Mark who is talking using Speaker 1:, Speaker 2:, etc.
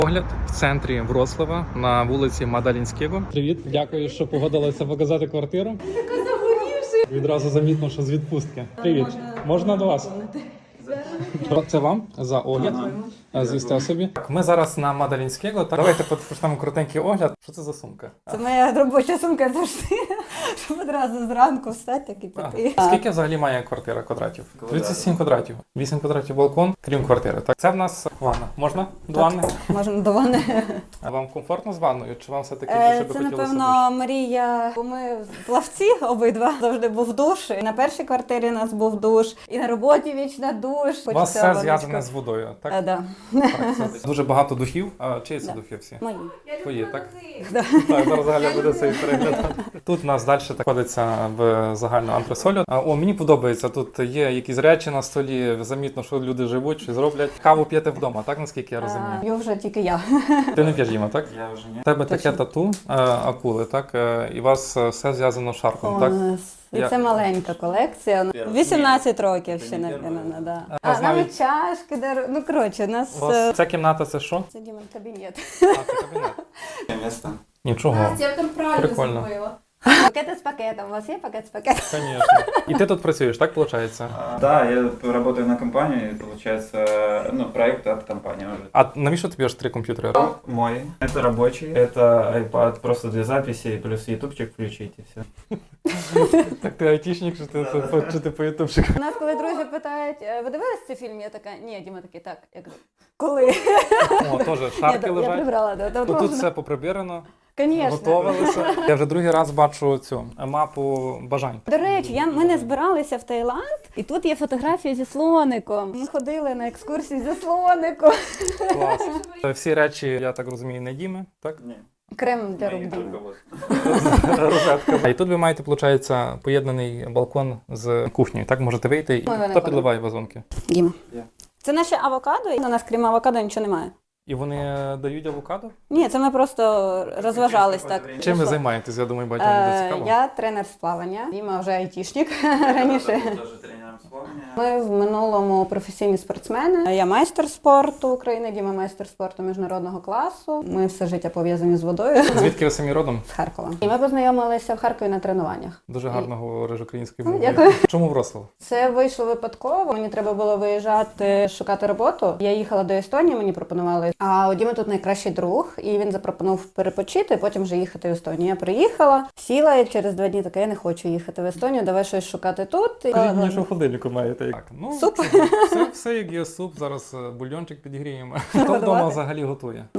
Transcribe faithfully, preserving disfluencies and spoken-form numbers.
Speaker 1: Огляд в центрі Вроцлава на вулиці Мадалінського. Привіт, дякую, що погодилися показати квартиру.
Speaker 2: Така загорівши.
Speaker 1: Відразу замітно, що з відпустки. Привіт, можна, можна до вас? Це вам за огляд. Звісти собі. Ми зараз на Мадалінського. Давайте почнемо коротенький огляд. Що це за сумка?
Speaker 2: Це моя робоча сумка завжди, щоб одразу зранку встати і піти.
Speaker 1: Скільки взагалі має квартира квадратів? тридцять сім квадратів. вісім квадратів балкон, крім квартири. Так, це в нас ванна. Можна? До ванни?
Speaker 2: Можна до ванни.
Speaker 1: А вам комфортно з ванною? Чи вам все-таки
Speaker 2: Е,
Speaker 1: більше би
Speaker 2: Це,
Speaker 1: хотілося душ?
Speaker 2: напевно, мрія, бо ми плавці обидва. Завжди був душ. І на першій квартирі у нас був душ, і на роботі вічна душ.
Speaker 1: У вас все зв'язане з водою, так?
Speaker 2: Так, да.
Speaker 1: Так, це дуже багато духів. А чиї це
Speaker 2: Да.
Speaker 1: духи всі?
Speaker 2: Мої.
Speaker 1: Твої, так?
Speaker 2: Да.
Speaker 1: Так, зараз Галя буде цей переглядати. Тут у нас далі знаходиться в загальну антресолю. А, О, мені подобається, тут є якісь речі на столі, замітно, що люди живуть, що зроблять. Каву п'єте вдома, так, наскільки я розумію?
Speaker 2: П'ю вже тільки я.
Speaker 1: Ти не п'єш, Діма, так?
Speaker 3: Я вже ні.
Speaker 1: У тебе таке
Speaker 2: Точно.
Speaker 1: тату, е, акули, так? Е, І у вас е, все зв'язано шарфом, так?
Speaker 2: О, І
Speaker 1: Я-
Speaker 2: це маленька колекція.
Speaker 3: Перший.
Speaker 2: вісімнадцять років
Speaker 3: Це
Speaker 2: ще,
Speaker 3: не
Speaker 2: напевно,
Speaker 3: перший.
Speaker 2: да.
Speaker 1: А,
Speaker 2: А,
Speaker 1: навіть-
Speaker 2: навіть чашки, дар- ну, коротше, у нас...
Speaker 1: У вас
Speaker 2: е,
Speaker 1: ця кімната це що?
Speaker 2: Це Дімон кабінет.
Speaker 1: А, це кабінет.
Speaker 3: Місто.
Speaker 1: Нічого.
Speaker 4: Я там правильно
Speaker 1: Прикольно.
Speaker 4: зробила.
Speaker 2: Пакети з пакетом. У вас є пакет з пакетом?
Speaker 1: Звісно. І ти тут працюєш, так виходить?
Speaker 3: А, Да, я работаю на компании, получается, ну, проект от компании уже.
Speaker 1: А навіщо тобі аж три комп'ютери?
Speaker 3: Мой. Это рабочий. Это iPad просто для записи, плюс ютубчик включить и все.
Speaker 1: Так ти айтішник, що ти, чи ти по ютубчику?
Speaker 2: У нас, коли друзі питають, «Е, ви дивились цей фільм? Я така, ні, Діма такий, так. Я кажу, коли?
Speaker 1: О, теж
Speaker 2: Ні,
Speaker 1: шарки
Speaker 2: так, я
Speaker 1: лежать.
Speaker 2: прибрала. Да,
Speaker 1: Тут, тут все поприбирано,
Speaker 2: Звісно.
Speaker 1: готувалися. Я вже другий раз бачу цю мапу бажань.
Speaker 2: До речі, я, ми не збиралися в Таїланд, і тут є фотографія зі слоником. Ми ходили на екскурсії зі слоником.
Speaker 1: Клас. Всі речі, я так розумію, не Діми, так?
Speaker 3: Не,
Speaker 2: Крем для рук
Speaker 3: мои
Speaker 2: Діми.
Speaker 3: только вот.
Speaker 1: Розетка. А і тут ви маєте, виходить, поєднаний балкон з кухнею. Так можете вийти. І
Speaker 2: Ми виходимо.
Speaker 1: хто підливає вазонки?
Speaker 2: Діма.
Speaker 3: Я.
Speaker 2: Це наші авокадо, і у нас крім авокадо нічого немає.
Speaker 1: І вони дають авокадо?
Speaker 2: Ні, це ми просто розважались так.
Speaker 1: Чим ви займаєтесь? Я думаю, багатьом буде
Speaker 2: Е,
Speaker 1: цікаво.
Speaker 2: Я тренер з плавання, Діма вже айтішник раніше.
Speaker 3: Тоже тренером плавания.
Speaker 2: Ми в минулому професійні спортсмени. Я майстер спорту України, Діма майстер спорту міжнародного класу. Ми все життя пов'язані з водою.
Speaker 1: Звідки ви самі родом?
Speaker 2: З Харкова. І ми познайомилися в Харкові на тренуваннях.
Speaker 1: Дуже гарно говориш українською
Speaker 2: Ну,
Speaker 1: мовою.
Speaker 2: дякую.
Speaker 1: Чому Вроцлав?
Speaker 2: Це вийшло випадково. Мені треба було виїжджати шукати роботу. Я їхала до Естонії, мені пропонували. А у Діми тут найкращий друг, і він запропонував перепочити, потім вже їхати в Естонію. Я приїхала, сіла і через два дні така, я не хочу їхати в Естонію, давай щось шукати тут. І-
Speaker 1: Скажіть мені, що в холодильнику маєте. Так, ну,
Speaker 2: Суп.
Speaker 1: Все, все як є суп, зараз е, бульйончик підігріємо. Хто вдома взагалі готує?